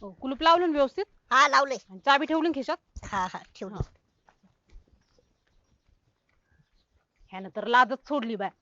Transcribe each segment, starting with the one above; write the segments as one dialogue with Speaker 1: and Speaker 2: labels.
Speaker 1: हो, कुलूप लावलं ना व्यवस्थित
Speaker 2: हा लावले.
Speaker 1: आणि चाबी ठेवली ना खिशात.
Speaker 2: हा हा ठेवली.
Speaker 1: ह्यानं तर लाजच सोडली बाय.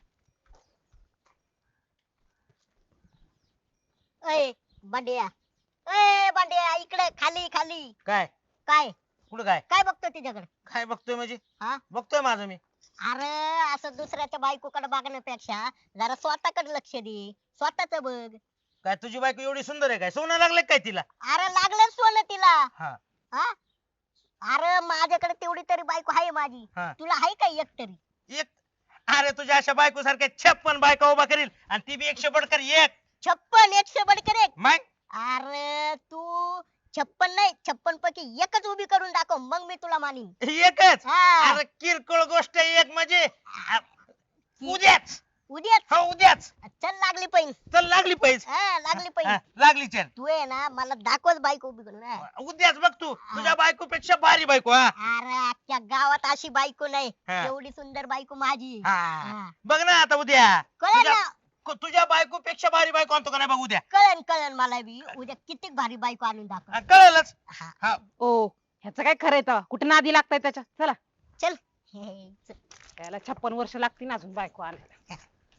Speaker 2: अय बांड्या, अय बांड्या, इकडे खाली खाली.
Speaker 3: काय
Speaker 2: काय
Speaker 3: कुठं काय
Speaker 2: काय बघतो तिच्याकडे?
Speaker 3: काय बघतोय म्हणजे
Speaker 2: हा
Speaker 3: बघतोय माझं मी.
Speaker 2: अरे असं दुसऱ्याच्या बायकोकडे बघण्यापेक्षा जरा स्वतःकडे लक्ष दे. स्वतःच बघ.
Speaker 3: काय तुझी बायको एवढी सुंदर आहे काय सोनं लागलं काय तिला?
Speaker 2: अरे लागलं सोनं तिला.
Speaker 3: हा
Speaker 2: हा अरे माझ्याकडे तेवढी तरी बायको आहे माझी.
Speaker 3: हा
Speaker 2: तुला आहे का एक तरी?
Speaker 3: एक. अरे तुझ्या अशा बायको सारख्या 56 बायका उभा करील आणि ती बी 100 बडकर एक.
Speaker 2: 56 100 बडकर एक.
Speaker 3: मग
Speaker 2: अरे तू 56 नाही 56 पैकी एकच उभी करून दाखव मग मी तुला मानीन.
Speaker 3: एकच.
Speaker 2: हा.
Speaker 3: अरे किरकोळ गोष्ट आहे एक म्हणजे उद्याच.
Speaker 2: उद्याच
Speaker 3: हो उद्याच.
Speaker 2: चल लागली पैन.
Speaker 3: चल लागली पैस.
Speaker 2: हा लागली पैन.
Speaker 3: लागली चल.
Speaker 2: तू आहे ना मला दाखवच बायको उभी करून. हा.
Speaker 3: उद्याच बघ तू तुझ्या बायको पेक्षा भारी बायको. हा
Speaker 2: अरे अख्ख्या गावात अशी बायको नाही.
Speaker 3: हा.
Speaker 2: एवढी सुंदर बायको माझी.
Speaker 3: हा. बघ ना आता उद्या
Speaker 2: कळलं
Speaker 3: तुझ्या
Speaker 2: ना?
Speaker 3: तुझ्या बायको पेक्षा भारी बायको आणतो का नाही बघ उद्या.
Speaker 2: कळन कळन मला बी उद्या किती भारी बायको आणून दाखव.
Speaker 3: कळलंच.
Speaker 2: हा.
Speaker 3: हा
Speaker 1: ओ ह्याचं काय खरंय तर कुठे नादी लागताय त्याच्या. चला
Speaker 2: चल हे, चल.
Speaker 1: त्याला 56 वर्ष लागतील अजून बायको आणायला.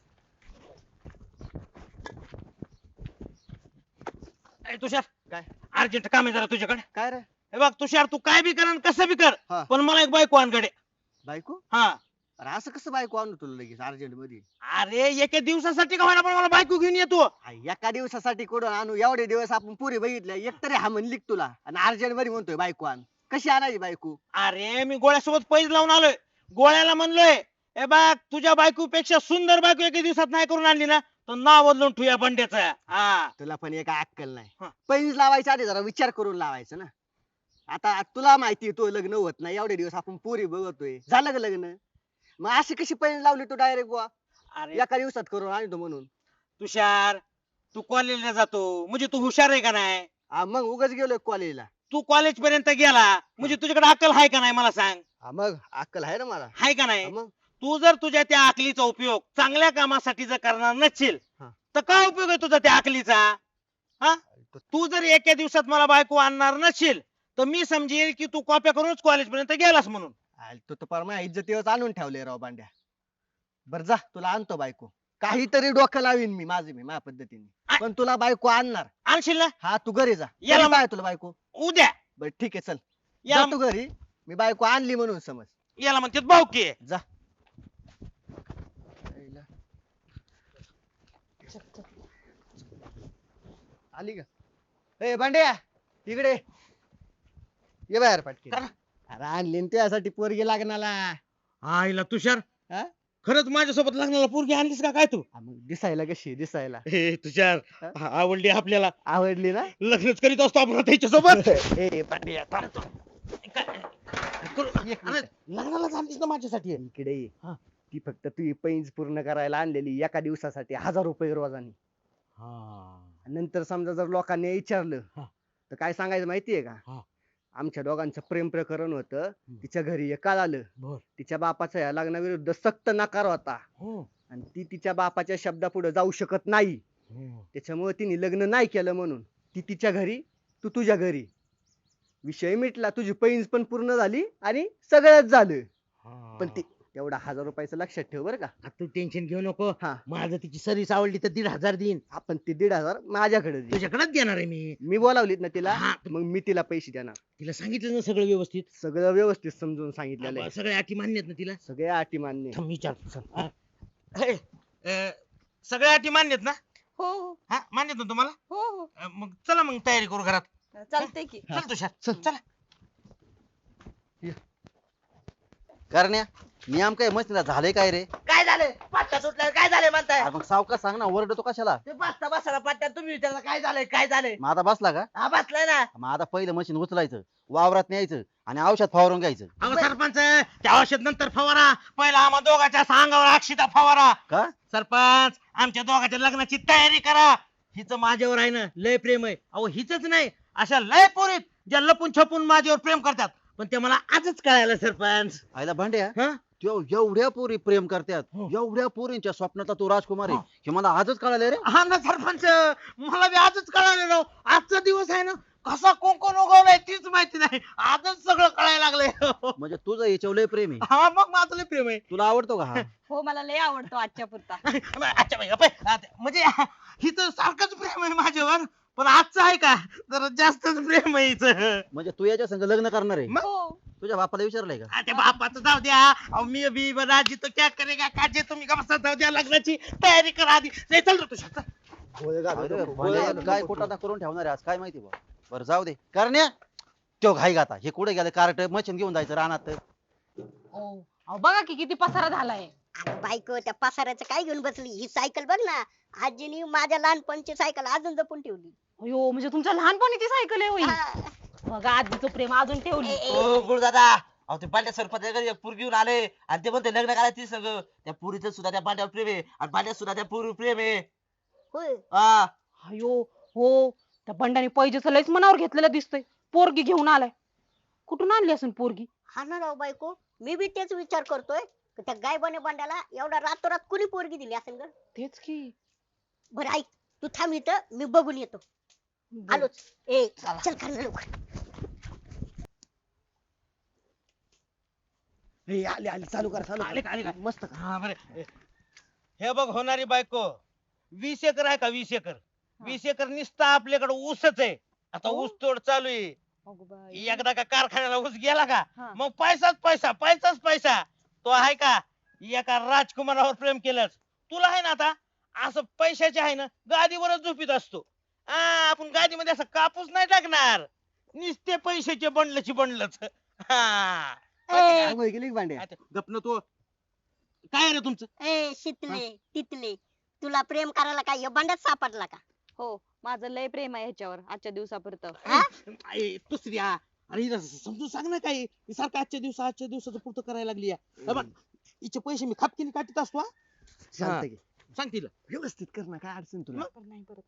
Speaker 3: ए, तुषार
Speaker 4: काय?
Speaker 3: अर्जंट काम आहे जरा तुझ्याकडे.
Speaker 4: काय रे
Speaker 3: हे बघ तुषार तू काय बी कर आणि कसं बी कर
Speaker 4: हा.
Speaker 3: पण मला एक बायको आणकडे.
Speaker 4: बायको?
Speaker 3: हा
Speaker 4: अरे असं कसं बायको आणू तुला लगेच अर्जंट मध्ये?
Speaker 3: अरे एका दिवसासाठी का होईना पण मला बायको घेऊन येतो.
Speaker 4: हा, एका दिवसासाठी कुठं आणू? एवढे दिवस आपण पुरी बघितल्या एकतरी हा म्हणली का तुला आणि अर्जंट मध्ये म्हणतोय बायको आण. कशी आणायची बायको?
Speaker 3: अरे मी गोळ्यासोबत पैज लावून आलोय. गोळ्याला म्हणलोय ए बघ तुझ्या बायको पेक्षा सुंदर बायको एका दिवसात नाही करून आणली ना तर नाव बदलून ठेवूया बंड्याचा. हा
Speaker 4: तुला पण एक अक्कल नाही.
Speaker 3: हा.
Speaker 4: पैज लावायच्या आधी जरा विचार करून लावायचं ना. आता तुला माहिती तो लग्न होत नाही एवढे दिवस आपण पुरी बघतोय. झालं का लग्न? मग अशी कशी पैज लावली तू डायरेक्ट बुवा
Speaker 3: अरे
Speaker 4: एका दिवसात करून आणतो म्हणून?
Speaker 3: तुषार तू कॉलेजला जातो म्हणजे तू हुशार आहे का नाही?
Speaker 4: हा, मग उगाच गेलोय कॉलेजला.
Speaker 3: तू कॉलेज पर्यंत गेला म्हणजे तुझ्याकडे अक्कल आहे का नाही मला सांग.
Speaker 4: मग अक्कल आहे ना मला.
Speaker 3: आहे का
Speaker 4: हा,
Speaker 3: नाही?
Speaker 4: मग
Speaker 3: तू जर तुझ्या त्या अकलीचा उपयोग चांगल्या कामासाठी जर करणार नसशील
Speaker 4: हा.
Speaker 3: तर काय उपयोग आहे तुझा त्या अकलीचा? हा तू जर एका दिवसात मला बायको आणणार नसशील तर मी समजेल की तू कॉप्या करूनच कॉलेज पर्यंत गेलास म्हणून.
Speaker 4: तू तर परमा इज्जतीवर आणून ठेवले राव बांड्या. बर जा तुला आणतो बायको. काहीतरी डोकं लावीन मी माझ्या पद्धतीने पण तुला बायको आणणार.
Speaker 3: आणशील ना?
Speaker 4: हा तू घरी जा.
Speaker 3: याला
Speaker 4: घरी पाय तुला बायको.
Speaker 3: उद्या
Speaker 4: बर ठीक आहे चल.
Speaker 3: याला
Speaker 4: जा तू घरी. मी बायको आणली म्हणून समज.
Speaker 3: याला म्हणतात भाऊकी आहे.
Speaker 4: जा. आली का? ए बांड्या इकडे ये बाहेर पटके.
Speaker 3: करा.
Speaker 4: अरे आणली ना तुझ्यासाठी पोरगी लागणाला.
Speaker 3: आईला तुषार
Speaker 4: हा?
Speaker 3: खरंच माझ्यासोबत लग्नाला पोरगी आणलीस का काय तू?
Speaker 4: मग दिसायला कशी दिसायला
Speaker 3: हे तुषार
Speaker 4: हा?
Speaker 3: आवडली आपल्याला.
Speaker 4: आवडली ना?
Speaker 3: लग्नच करीत असतो आपण त्याच्यासोबत.
Speaker 4: ए बांड्या थांब तू. एक
Speaker 3: अरे,
Speaker 4: मिनिट.
Speaker 3: लग्नाला आणलीस ना माझ्यासाठी.
Speaker 4: इकडे ये.
Speaker 3: हा.
Speaker 4: ती फक्त तू पैंज पूर्ण करायला आणलेली एका दिवसासाठी 1000 रुपये रोजानी. नंतर समजा जर लोकांनी विचारलं
Speaker 3: हा.
Speaker 4: तर काय सांगायचं माहितीये
Speaker 3: हा.
Speaker 4: का? आमच्या दोघांचं प्रेम प्रकरण होतं. तिच्या घरी एकाल आलं.
Speaker 3: बर.
Speaker 4: तिच्या बापाचा या लग्नाविरुद्ध सक्त नकार होता आणि ती तिच्या बापाच्या शब्दापुढे जाऊ शकत नाही. त्याच्यामुळे तिने लग्न नाही केलं म्हणून ती तिच्या घरी तू तुझ्या घरी. विषय मिटला. तुझी पैंज पण पूर्ण झाली आणि सगळंच झालं. पण ती तेवढा 1000 रुपयाचं लक्षात ठेव बरं का.
Speaker 3: तू टेन्शन घेऊ नको.
Speaker 4: हा.
Speaker 3: माझं तिची सर्विस आवडली तर 1500 देईन.
Speaker 4: आपण ते 1500 माझ्याकडे दे.
Speaker 3: तुझ्याकडेच देणार आहे मी.
Speaker 4: मी बोलावलीत ना तिला
Speaker 3: हा.
Speaker 4: मग मी तिला पैसे देणार.
Speaker 3: तिला सांगितलं ना सगळं व्यवस्थित.
Speaker 4: सगळं व्यवस्थित समजून सांगितलेलं आहे.
Speaker 3: सगळ्या अटी मान्य आहेत ना तिला?
Speaker 4: सगळ्या अटी मान्य.
Speaker 3: थांब विचारतो चल. हा. हे, सगळ्या अटी मान्य आहेत ना?
Speaker 1: हो हो
Speaker 3: हा मान्य आहेत ना तुम्हाला?
Speaker 1: हो हो
Speaker 3: मग चला मग तयारी करू घरात.
Speaker 1: चालतंय की.
Speaker 3: चल तुषार चला.
Speaker 5: करण्या नियम काय मशीनला झाले काय रे?
Speaker 6: काय झालं? पाट्या सुटल्या काय झालंय म्हणताय?
Speaker 5: अरे मग सावकाश सांग ना ओरडतो कशाला?
Speaker 6: ते बसता बसायला पाट्या तुम्ही विचारला काय झालंय काय झालंय?
Speaker 5: मग आता बसला का?
Speaker 6: हा बसलाय ना.
Speaker 5: मग आता पहिलं मशीन उचलायचं वावरात न्यायचं आणि औषध फवारून घ्यायचं.
Speaker 3: अहो सरपंच त्या औषध नंतर फवारा. पहिला आम्हा दोघांच्या सांगावर अक्षिता फवारा.
Speaker 5: का?
Speaker 3: सरपंच आमच्या दोघांच्या लग्नाची तयारी करा. हिचं माझ्यावर आहे ना लय प्रेम आहे. अहो हिच नाही अशा लय पोरीत ज्या लपून छपून माझ्यावर प्रेम करतात पण ते मला आजच कळायला सरपंच.
Speaker 5: आयला भांड्या
Speaker 3: हा
Speaker 5: एवढ्या पोरी प्रेम करतात
Speaker 3: हो.
Speaker 5: एवढ्या पोरींच्या स्वप्नातला तो राजकुमार आहे
Speaker 3: हो.
Speaker 5: हे मला आजच कळालं रे.
Speaker 3: हा ना सरपंच, मला बी आजच कळालं राव. आजचा दिवस आहे ना कसा कोण उगवलाय तीच माहिती नाही, आजच सगळं कळायला लागलंय.
Speaker 5: म्हणजे तुझं याच्यावर लय प्रेम आहे.
Speaker 3: हा मग माझं लय प्रेम आहे.
Speaker 5: तुला आवडतो का हा?
Speaker 1: हो मला लय आवडतो आजच्या पुरता.
Speaker 3: अच्छा बाई अपे, म्हणजे हिचं सारखंच प्रेम आहे माझ्यावर, पण आजचं आहे का जरा जास्तच प्रेम आहे हिचं.
Speaker 5: म्हणजे तू याच्या संग लग्न करणार आहे?
Speaker 1: हो
Speaker 5: तुझ्या बापाला विचारलंय का?
Speaker 3: त्या बापाचं जाऊ द्या, अहो, मी बी राजी तो क्या करेगा काजे, तुम्ही का बसा, जाऊ द्या, लग्नाची तयारी करा आधी. नाही चल रे तुझ्या
Speaker 5: अरे, म्हणजे काय कुठं करून ठेवणार आहे आज काय माहिती बा. बरं जाऊ दे करण्या, तो घाई गाता हे कुठे गेलं कार्ट मशीन घेऊन जायचं रानात.
Speaker 1: अहो बघा की किती पसारा झालाय.
Speaker 2: अरे बायको त्या पसाऱ्याचं काय घेऊन बसली, ही सायकल बघ ना, आजीनी माझ्या लहानपणची सायकल अजून जपून ठेवली.
Speaker 1: अयो म्हणजे तुमच्या लहानपणीची सायकल आहे होई.
Speaker 2: हा.
Speaker 1: बघा आजीचं प्रेम अजून ठेवली.
Speaker 6: ओ गुरुदादा, अहो ते पांड्या सरपंचाकडे एक पोरगी घेऊन आले आणि ते म्हणते लग्न करायचं ती सगळं. त्या पुरीचं सुद्धा त्या पांड्यावर प्रेम आहे आणि पांड्यात सुद्धा त्या पोरी प्रेम आहे.
Speaker 2: होय.
Speaker 6: हा
Speaker 1: अयो हो त्या बंडाने पैजेच लयच मनावर घेतलेलं दिसतंय. पोरगी घेऊन आलाय. कुठून आणली असेल पोरगी?
Speaker 2: हा ना राव बायको, मी बी तेच विचार करतोय की त्या गायबाने बंडाला एवढा रातोरात कुणी पोरगी दिली असेल ग.
Speaker 1: तेच की.
Speaker 2: बरं ऐक, तू थांब इथं, मी बघून येतो. आलोच. ए चल खाली लवकर.
Speaker 4: आले आले चालू करा
Speaker 3: आले का, आले का?
Speaker 4: मस्त करा.
Speaker 3: हा बरं. हे बघ होणारी बायको, 20 एकर आहे का 20 एकर? 20 एकर निसता आपल्याकडे ऊसच आहे. आता
Speaker 1: हो?
Speaker 3: ऊस तोड चालू आहे.
Speaker 1: अगो बाई.
Speaker 3: एकदा का कारखान्याला ऊस गेला का
Speaker 1: हा.
Speaker 3: मग पैसाच पैसा. तो आहे का एका राजकुमारावर प्रेम केलंच. तुला आहे ना आता असं पैशाचे आहे ना गादीवरच झोपीत असतो. आपण गादीमध्ये असं कापूस नाही टाकणार, निसते पैशाचे बंडलच. हा
Speaker 4: आंघोळ केली का भांड्या?
Speaker 3: गपन तो काय रे तुमचं?
Speaker 2: ए शितले तितले, तुला प्रेम करायला काय या बंडात सापडला का?
Speaker 1: हो माझं लय प्रेम आहे ह्याच्यावर आजच्या दिवसापुरतं.
Speaker 2: हा?
Speaker 3: दुसऱ्या अरे हिला समजून सांग ना काही, ही सारखं आजच्या दिवसाचं पुरतं करायला लागली या. हे बघ, हिचे पैसे मी खापकीने काढत असतो.
Speaker 4: चालतंय की.
Speaker 3: सांग तिला.
Speaker 4: व्यवस्थित कर ना, काय अडचण तुला?
Speaker 1: नाही परत.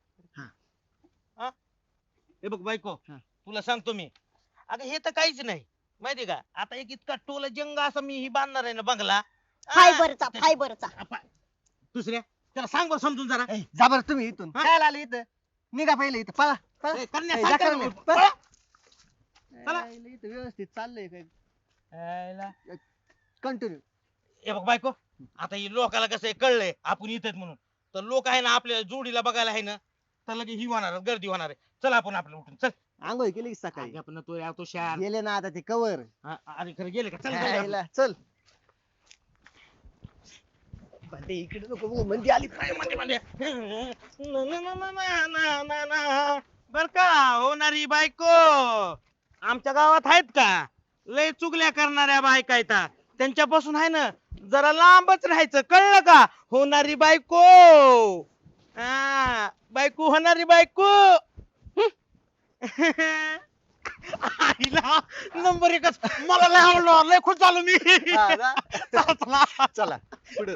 Speaker 3: हे बघ बायको,
Speaker 4: हा.
Speaker 3: तुला सांगतो मी, अगं हे तर काहीच नाही माहिती का. आता एक इतका टोला जंग असा मी ही बांधणार आहे ना बंगला.
Speaker 2: फायबरचा.
Speaker 3: दुसऱ्या त्याला सांग बरं समजून जरा.
Speaker 4: जा बरं तुम्ही इथून.
Speaker 3: हा?
Speaker 4: काय आले इथं? निघा पहिले इथं, पळा पळा.
Speaker 3: ए, कन्या,
Speaker 4: ए,
Speaker 3: सांग
Speaker 4: जा
Speaker 3: काय
Speaker 4: कन्या,
Speaker 3: बोल-
Speaker 4: पळा.
Speaker 3: चला.
Speaker 4: इथं व्यवस्थित चाललंय काय?
Speaker 3: पळा.
Speaker 4: कंटिन्यू.
Speaker 3: हे बघ बायको, आता ही लोकाला कसं आहे कळलंय आपण इथेच म्हणून, तर लोक आहे ना आपल्या जोडीला बघायला आहे ना, तर लगे ही होणार गर्दी होणार आहे. चल आपण आपलं उठून चल.
Speaker 4: आंघोळ केली की सकाळी?
Speaker 3: आपण तो या तो शार.
Speaker 4: गेले ना आता ते कवर.
Speaker 3: अरे खरं गेले का? चल चल आपण.
Speaker 4: चल भांडे इकडे नको बघू, मंदी आली.
Speaker 3: बर का होणारी बायको, आमच्या गावात आहेत का लय चुगल्या करणाऱ्या बायका आहेत, त्यांच्यापासून आहे ना जरा लांबच राहायचं, कळलं का? होणारी बायको, बायको होणारी बायको. आईला नंबर एकच, मला लय आवडलं, लय खुश झालो मी.
Speaker 4: हा ना?
Speaker 3: चला, चला.
Speaker 4: चला पुढे.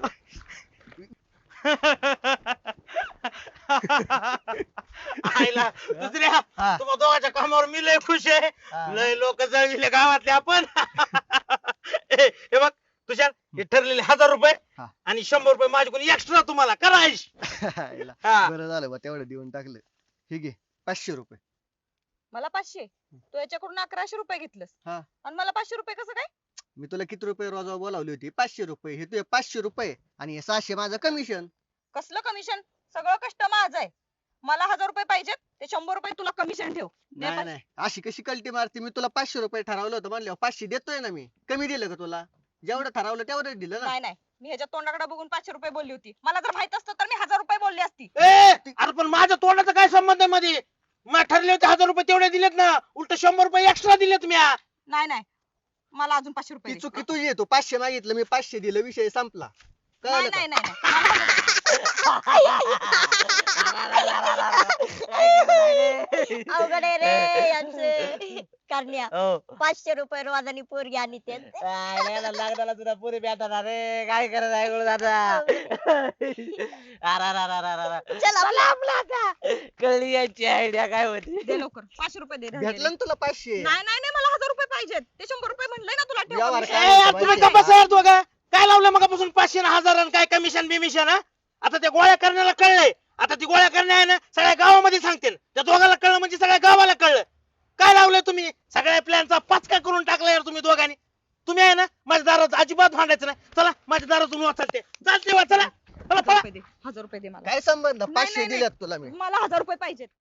Speaker 3: आईला दुसऱ्या
Speaker 4: हा.
Speaker 3: तुम्हा दोघांच्या कामावर मी लय खुश आहे. लय लोक जळविले गावातले आपण. हे बघ तुषार, हे ठरलेले 1000 रुपये
Speaker 4: हा.
Speaker 3: आणि 100 रुपये माझ्याकडून एक्स्ट्रा तुम्हाला करायचे. हा.
Speaker 4: बरं झालं बा, तेवढं देऊन टाकलं. हे घे 500 रुपये.
Speaker 7: मला 500, तू याच्याकडून 1100 रुपये घेतलंस
Speaker 4: हा.
Speaker 7: आणि मला 500 रुपये कसं काय?
Speaker 4: मी तुला किती रुपये रोजा बोलावली होती? 500 रुपये. हे तुझे 500 रुपये आणि हे 600 माझं कमिशन.
Speaker 7: कसलं कमिशन? सगळं कष्ट माझं आहे. मला 1000 रुपये पाहिजेत, ते 100 रुपये तुला कमिशन ठेव. दे
Speaker 4: नाही
Speaker 7: पण.
Speaker 4: नाही, अशी कशी कल्टी मारते? मी तुला 500 रुपये ठरवलं होतं, म्हणल्यावर 500 देतोय ना मी. कमी दिलं का तुला? जेवढं ठरवलं तेवढं दिलं ना.
Speaker 7: नाही नाही, मी ह्याच्या तोंडाकडे बघून 500 रुपये बोलली होती. मला जर माहित असतं तर मी 1000 रुपये बोलली असती.
Speaker 3: अरे पण माझ्या तोंडाचा काय संबंध आहे मध्ये? मग ठरले होते 1000 रुपये तेवढे दिलेत ना, उलट 100 रुपये एक्स्ट्रा दिलेत मी.
Speaker 7: नाही नाही, मला अजून 500 रुपये
Speaker 4: ती
Speaker 7: दे.
Speaker 4: चुकी तुझी आहे. तू 500 मागितलं, मी 500 दिलं, विषय संपला.
Speaker 7: नाही
Speaker 4: कळलं का?
Speaker 7: नाही नाही नाही.
Speaker 2: अवघड आहे रे यांचं. करण्या
Speaker 6: हो
Speaker 2: 500 रुपये रोजानी पोरगी आणि ते
Speaker 6: लग्नाला तुला पुरी भेटणार रे, काय करत आहे गुरुदादा?
Speaker 2: चल आपला आता.
Speaker 6: कळली याची आयडिया काय होती.
Speaker 7: दे लवकर 500 रुपये दे राहिलेले.
Speaker 4: भेटलं ना तुला 500?
Speaker 7: नाही नाही नाही, मला 1000 रुपये पाहिजेत. ते 100 रुपये म्हणलंय ना तुला ठेव
Speaker 4: व्यवहार
Speaker 7: कमिशन.
Speaker 4: काय?
Speaker 3: तुम्ही का बसा दोघा? काय लावलं मगापासून 500 आणि 1000 आणि काय कमिशन बिमिशन हा? आता त्या गोळ्या करण्याला कळलंय. आता ती गोळ्या करणे आहे ना सगळ्या गावामध्ये सांगतील. त्या दोघाला कळलं म्हणजे सगळ्या गावाला कळलं. काय लावलंय तुम्ही सगळ्या प्लॅनचा पाचका करून टाकला यार तुम्ही दोघांनी. तुम्ही आहे ना माझ्या दारात अजिबात भांडायचं नाही. चला माझ्या दारातून वाचाल ते चालते वा चला चला
Speaker 7: 1000 रुपये दे 1000 रुपये दे मला
Speaker 8: काय संबंध
Speaker 7: नाही,
Speaker 8: 500
Speaker 7: नाही.
Speaker 8: दिल्यात तुला मी
Speaker 7: मला 1000 रुपये पाहिजेत